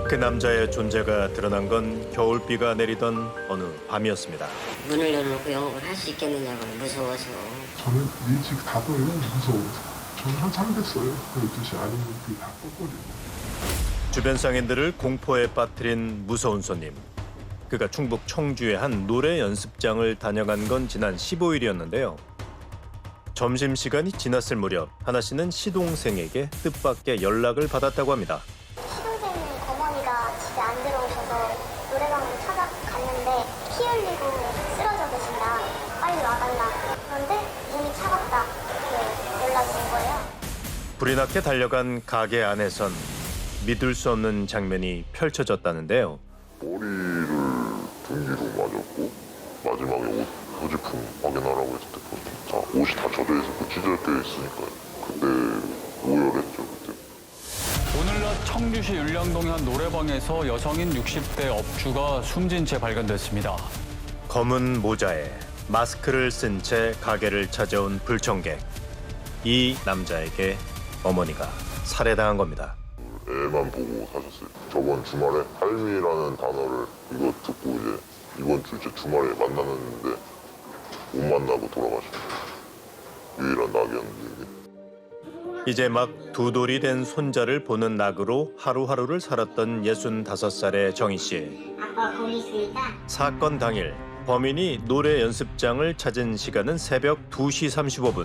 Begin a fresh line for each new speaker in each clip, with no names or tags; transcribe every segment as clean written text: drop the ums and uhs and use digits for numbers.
그 남자의 존재가 드러난 건 겨울비가 내리던 어느 밤이었습니다.
문을 열어놓고 영업을 할 수 있겠느냐고 무서워서.
저는 일찍 닫아요, 무서워서. 저는 한참 됐어요. 12시 아니면 다 껐거든요.
주변 상인들을 공포에 빠뜨린 무서운 손님. 그가 충북 청주의 한 노래 연습장을 다녀간 건 지난 15일이었는데요. 점심시간이 지났을 무렵 하나 씨는 시동생에게 뜻밖의 연락을 받았다고 합니다.
시동생 어머니가 집에 안 들어오셔서 노래방으로 찾아갔는데 피 흘리고 쓰러져 계신다. 빨리 와달라. 그런데 눈이 차갑다. 이렇게 연락이 온 거예요.
불이 나게 달려간 가게 안에선 믿을 수 없는 장면이 펼쳐졌다는데요.
머리를 등기로 맞았고 마지막에 옷 소지품 확인하라고 했을 때 다 옷이 다 젖어 있었고 찢어져 있으니까 그때 오열했죠 그때.
오늘 낮 청주시 율량동의 한 노래방에서 여성인 60대 업주가 숨진 채 발견됐습니다.
검은 모자에 마스크를 쓴 채 가게를 찾아온 불청객. 이 남자에게 어머니가 살해당한 겁니다.
애만 보고 사셨어요. 저번 주말에 할미라는 단어를 이거 듣고 이제 이번 주 이제 주말에 만나는데 못 만나고 돌아가셨어요. 유일한 낙이었는데 이게.
이제 막 두 돌이 된 손자를 보는 낙으로 하루하루를 살았던 65살의 정희 씨.
아빠 거기 있으니까
사건 당일 범인이 노래 연습장을 찾은 시간은 새벽 2시 35분.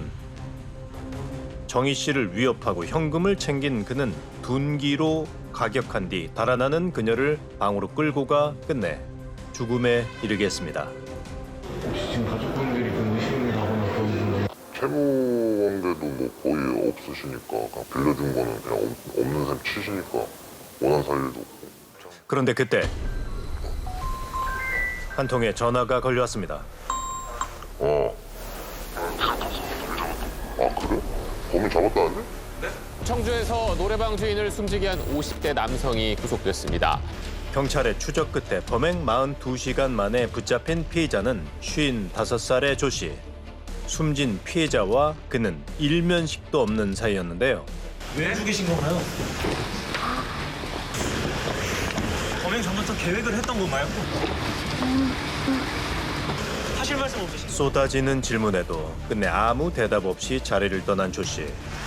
정희 씨를 위협하고 현금을 챙긴 그는 둔기로 가격한 뒤 달아나는 그녀를 방으로 끌고 가 끝내 죽음에 이르게 했습니다.
지금 가족분들이 좀 의심을 하거나 그런 분은
채무 관계도 뭐 거의 없으시니까 그냥 빌려준 거는 그냥 없는 셈 치시니까 원한 사실도 없고.
그런데 그때 한 통의 전화가 걸려왔습니다.
아 그래? 범인 잡았다는데?
청주에서 노래방 주인을 숨지게 한 50대 남성이 구속됐습니다.
경찰의 추적 끝에 범행 42시간 만에 붙잡힌 피해자는 55살의 조 씨. 숨진 피해자와 그는 일면식도 없는 사이였는데요.
왜 죽이신 건가요? 범행 전부터 계획을 했던 건가요? 하실 말씀 없으신가요?
쏟아지는 질문에도 끝내 아무 대답 없이 자리를 떠난 조 씨.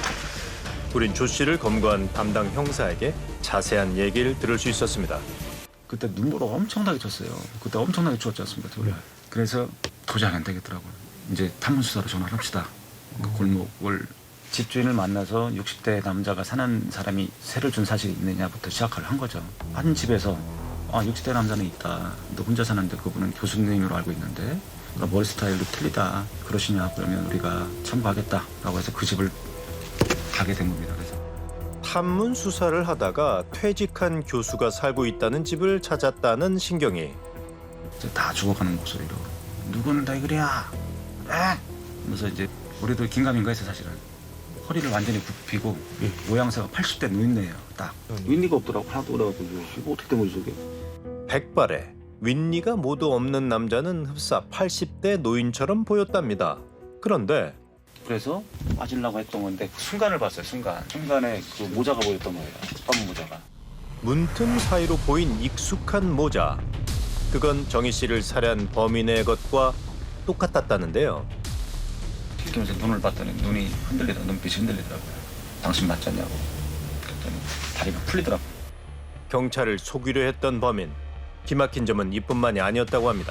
우린 조 씨를 검거한 담당 형사에게 자세한 얘기를 들을 수 있었습니다.
그때 눈보라 엄청나게 쳤어요. 그때 엄청나게 추웠지 않습니까? 겨울에. 그래서 도저히 안 되겠더라고요. 이제 탐문수사로 전화를 합시다. 그 골목을 집주인을 만나서 60대 남자가 사는 사람이 세를 준 사실이 있느냐부터 시작을 한 거죠. 한 집에서 60대 남자는 있다. 너 혼자 사는데 그분은 교수님으로 알고 있는데 머리 스타일도 틀리다. 그러시냐 그러면 우리가 청구하겠다라고 해서 그 집을 가게 된 겁니다. 그래서
탐문 수사를 하다가 퇴직한 교수가 살고 있다는 집을 찾았다는 신경이.
이제 다 죽어가는 목소리로 누구는 다 그래야 그래서 이제 우리도 긴가민가 해서 사실은 허리를 완전히 굽히고 모양새가 80대 노인네예요. 딱 윈니가 없더라고. 하나도 그래가지고 이거 어떻게 된 거지 저게.
백발에 윗니가 모두 없는 남자는 흡사 80대 노인처럼 보였답니다. 그런데
그래서 맞으려고 했던 건데 그 순간을 봤어요. 순간에 그 모자가 보였던 거예요. 검은 모자가.
문틈 사이로 보인 익숙한 모자. 그건 정희 씨를 살해한 범인의 것과 똑같았다는데요.
튀기면서 눈을 봤더니 눈이 눈빛이 흔들리더라고요. 당신 맞지 않냐고. 그랬더니 다리가 풀리더라고요.
경찰을 속이려 했던 범인. 기막힌 점은 이뿐만이 아니었다고 합니다.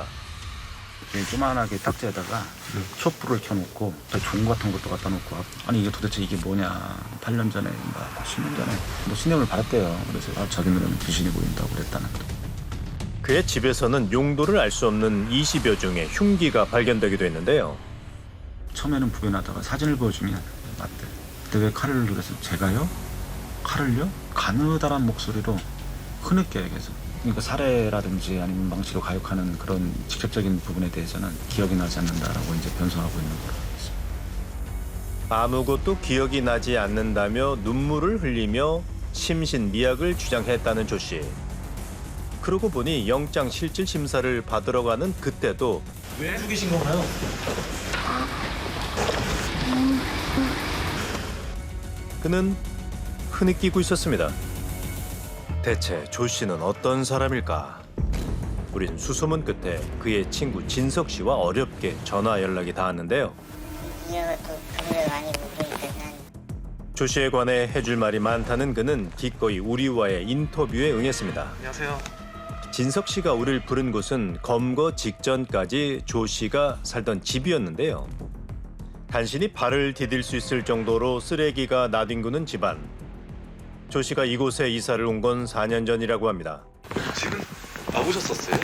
조그만하게 딱지에다가 촛불을 켜놓고 종 같은 것도 갖다 놓고 아니 이게 도대체 이게 뭐냐. 8년 전에 10년 전에 신념을 받았대요. 그래서 자기 눈에는 귀신이 보인다고 그랬다는.
그의 집에서는 용도를 알 수 없는 20여 종의 흉기가 발견되기도 했는데요.
처음에는 부인하다가 사진을 보여주면 맞대. 그때 왜 칼을 그래서 제가요? 칼을요? 가느다란 목소리로 흐느껴 얘기해서. 그러니까 살해라든지 아니면 망치로 가욕하는 그런 직접적인 부분에 대해서는 기억이 나지 않는다라고 이제 변소하고 있는 거로 있습니다.
아무것도 기억이 나지 않는다며 눈물을 흘리며 심신미약을 주장했다는 조 씨. 그러고 보니 영장 실질 심사를 받으러 가는 그때도
왜 죽이신 건가요?
그는 흐느끼고 있었습니다. 대체 조 씨는 어떤 사람일까? 우린 수소문 끝에 그의 친구 진석 씨와 어렵게 전화 연락이 닿았는데요.
이가 또 돈을 많이 벌으니까 난
조 씨에 관해 해줄 말이 많다는 그는 기꺼이 우리와의 인터뷰에 응했습니다.
안녕하세요.
진석 씨가 우리를 부른 곳은 검거 직전까지 조 씨가 살던 집이었는데요. 간신히 발을 디딜 수 있을 정도로 쓰레기가 나뒹구는 집안. 조 씨가 이곳에 이사를 온 건 4년 전이라고 합니다.
지금 와보셨었어요?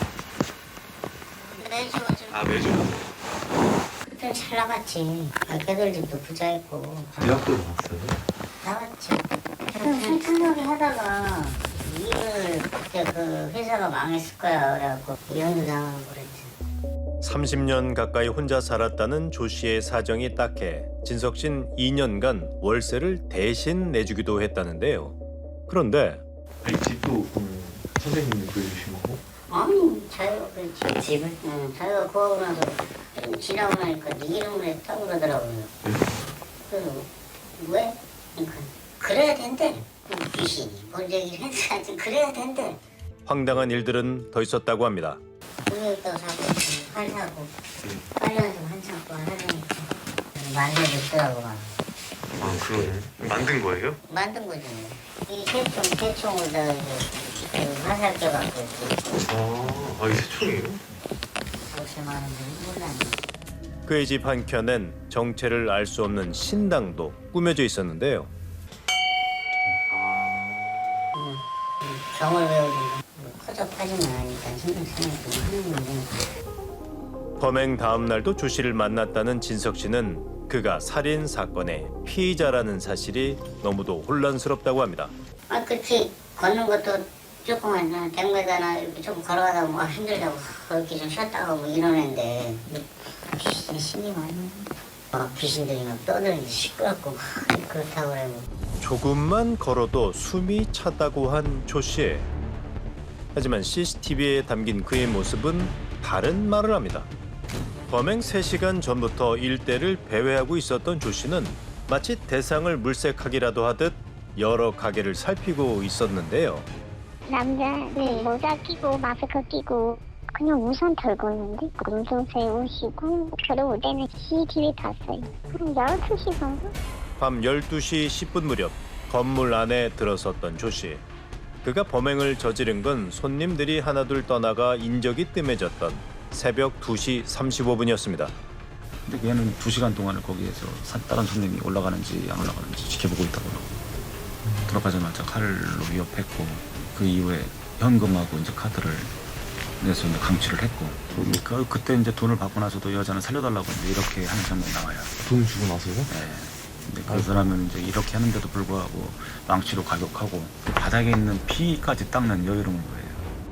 매주 좀
아, 매주?
그때 잘 나갔지. 걔들 집도 부자였고
대학도 나왔어요?
나갔지. 술탄하게 하다가 일을 그때 그 회사가 망했을 거야. 그래갖고 이혼도 당하고 그랬지.
30년 가까이 혼자 살았다는 조 씨의 사정이 딱해 진석 씨는 2년간 월세를 대신 내주기도 했다는데요. 그런데
이 집도 선생님이 그려주신 거고?
아니 자기가 그 집을? 응, 자기가 구하고 나서 좀 지나고 나니까 네 이름으로 했다고 그러더라고요. 그래서 왜? 그러니까 그래야 된대. 귀신이 뭔 얘기를 했지. 그래야 된대.
황당한 일들은 더 있었다고 합니다.
우유도 사고 팔 사고 빨려서 한참 동안 하려니까 만들어줬더라고.
아, 그러네. 만든 거예요?
만든 거지. 이 새총을 화살 껴갖고
이게 새총이에요?
50만 원 정도 몰랐네.
그의 집 한켠엔 정체를 알 수 없는 신당도 꾸며져 있었는데요.
경을 배우든가 허접하지만 하니까 신경 쓰니까 하는 건데.
범행 다음 날도 조 씨를 만났다는 진석 씨는 그가 살인 사건의 피의자라는 사실이 너무도 혼란스럽다고 합니다.
아 그렇지 걷는 것도 조금 한 100m나 이렇게 좀 걸어가다 뭐 힘들다고 이렇게 좀 쉬었다가 뭐 이러는데 귀신이 신이 많아. 귀신들이 막 떠들는데 시끄럽고 그렇다고 그래.
조금만 걸어도 숨이 차다고 한 조 씨. 하지만 CCTV에 담긴 그의 모습은 다른 말을 합니다. 범행 3시간 전부터 일대를 배회하고 있었던 조 씨는 마치 대상을 물색하기라도 하듯 여러 가게를 살피고 있었는데요.
남자들 모자 끼고 마스크 끼고 그냥 우산 털고 있는데 검도 세우시고 그러고 때는 CCTV 봤어요. 12시 정도?
밤 12시 10분 무렵 건물 안에 들어섰던 조 씨. 그가 범행을 저지른 건 손님들이 하나둘 떠나가 인적이 뜸해졌던 새벽 2시 35분이었습니다.
근데 얘는 2시간 동안을 거기에서 다른 손님이 올라가는지 안 올라가는지 지켜보고 있다고 그러고 들어가자마자 칼로 위협했고 그 이후에 현금하고 이제 카드를 내서 이제 강취를 했고 그때 이제 돈을 받고 나서도 여자는 살려달라고 이제 이렇게 하는 장면이 나와요.
돈 주고 나서요?
네. 근데 그 사람은 이제 이렇게 하는데도 불구하고 망치로 가격하고 바닥에 있는 피까지 닦는 여유로운 거예요.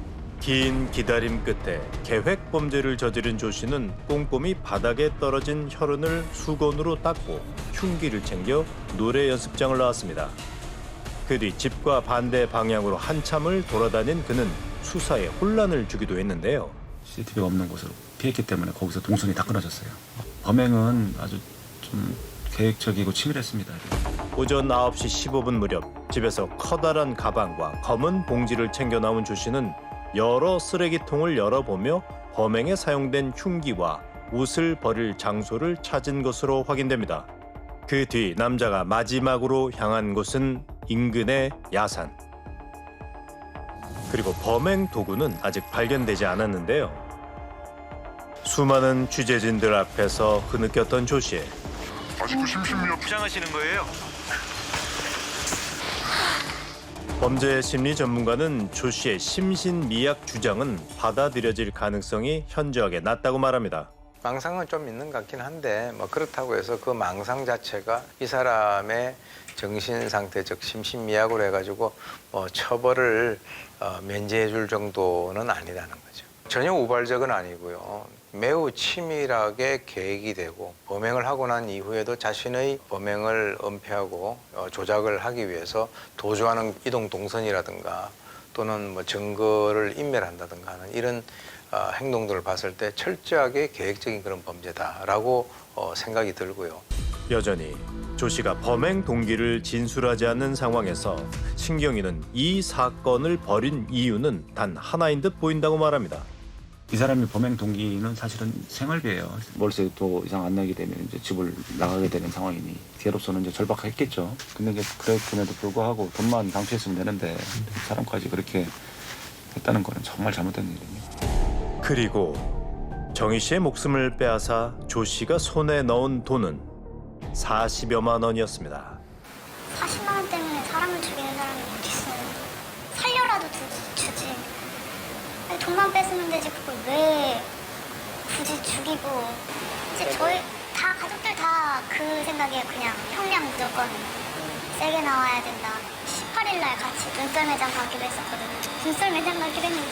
긴 기다림 끝에 계획 범죄를 저지른 조 씨는 꼼꼼히 바닥에 떨어진 혈흔을 수건으로 닦고 흉기를 챙겨 노래 연습장을 나왔습니다. 그 뒤 집과 반대 방향으로 한참을 돌아다닌 그는 수사에 혼란을 주기도 했는데요.
CCTV가 없는 곳으로 피했기 때문에 거기서 동선이 다 끊어졌어요. 범행은 아주 좀 계획적이고 치밀했습니다.
오전 9시 15분 무렵 집에서 커다란 가방과 검은 봉지를 챙겨 나온 조 씨는 여러 쓰레기통을 열어보며 범행에 사용된 흉기와 옷을 버릴 장소를 찾은 것으로 확인됩니다. 그 뒤 남자가 마지막으로 향한 곳은 인근의 야산. 그리고 범행 도구는 아직 발견되지 않았는데요. 수많은 취재진들 앞에서 흐느꼈던 조 씨.
아직도 심신미약
주장하시는 거예요?
범죄 심리 전문가는 조 씨의 심신미약 주장은 받아들여질 가능성이 현저하게 낮다고 말합니다.
망상은 좀 있는 것 같긴 한데 뭐 그렇다고 해서 그 망상 자체가 이 사람의 정신 상태 즉 심신미약으로 해가지고 처벌을 면제해 줄 정도는 아니라는 거죠. 전혀 우발적은 아니고요. 매우 치밀하게 계획이 되고 범행을 하고 난 이후에도 자신의 범행을 은폐하고 조작을 하기 위해서 도주하는 이동 동선이라든가 또는 뭐 증거를 인멸한다든가 하는 이런 행동들을 봤을 때 철저하게 계획적인 그런 범죄다라고 생각이 들고요.
여전히 조 씨가 범행 동기를 진술하지 않는 상황에서 신경이는 이 사건을 벌인 이유는 단 하나인 듯 보인다고 말합니다.
이 사람이 범행 동기는 사실은 생활비예요. 월세도 이상 안 내게 되면 이제 집을 나가게 되는 상황이니 뒤로서는 이제 절박했겠죠. 근데 이제 그랬음에도 불구하고 돈만 강취했으면 되는데 이 사람까지 그렇게 했다는 거는 정말 잘못된 일입니다.
그리고 정희 씨의 목숨을 빼앗아 조 씨가 손에 넣은 돈은 40여만 원이었습니다.
40만 원 때문에 사람을 죽이는 사람이 어딨어. 살려라도 주지. 아니, 돈만 뺏으면 되지 그걸 왜 굳이 죽이고. 이제 저희 다 가족들 다 그 생각이에요. 그냥 형량 무조건 세게 나와야 된다. 18일 날 같이 눈썰 매장 가기로 했었거든요. 눈썰 매장 가기로 했는데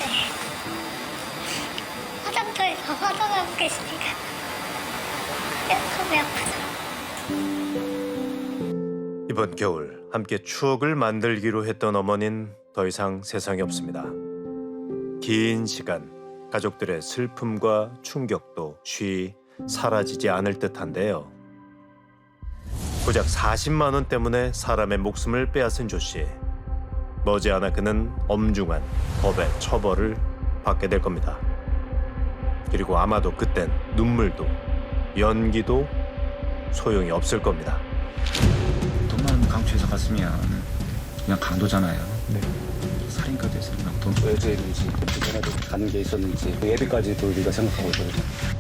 화장터에서 화장하고 계시니까 너무 아프죠.
이번 겨울 함께 추억을 만들기로 했던 어머니는 더 이상 세상에 없습니다. 긴 시간 가족들의 슬픔과 충격도 쉬 사라지지 않을 듯한데요. 고작 40만 원 때문에 사람의 목숨을 빼앗은 조 씨. 머지않아 그는 엄중한 법의 처벌을 받게 될 겁니다. 그리고 아마도 그땐 눈물도 연기도 소용이 없을 겁니다.
돈만 강취해서 갔으면 그냥 강도잖아요. 살인까지 했으면 돈 외제인지 그때라도 가는 게 있었는지 예비까지도 우리가 생각하고 있거든요.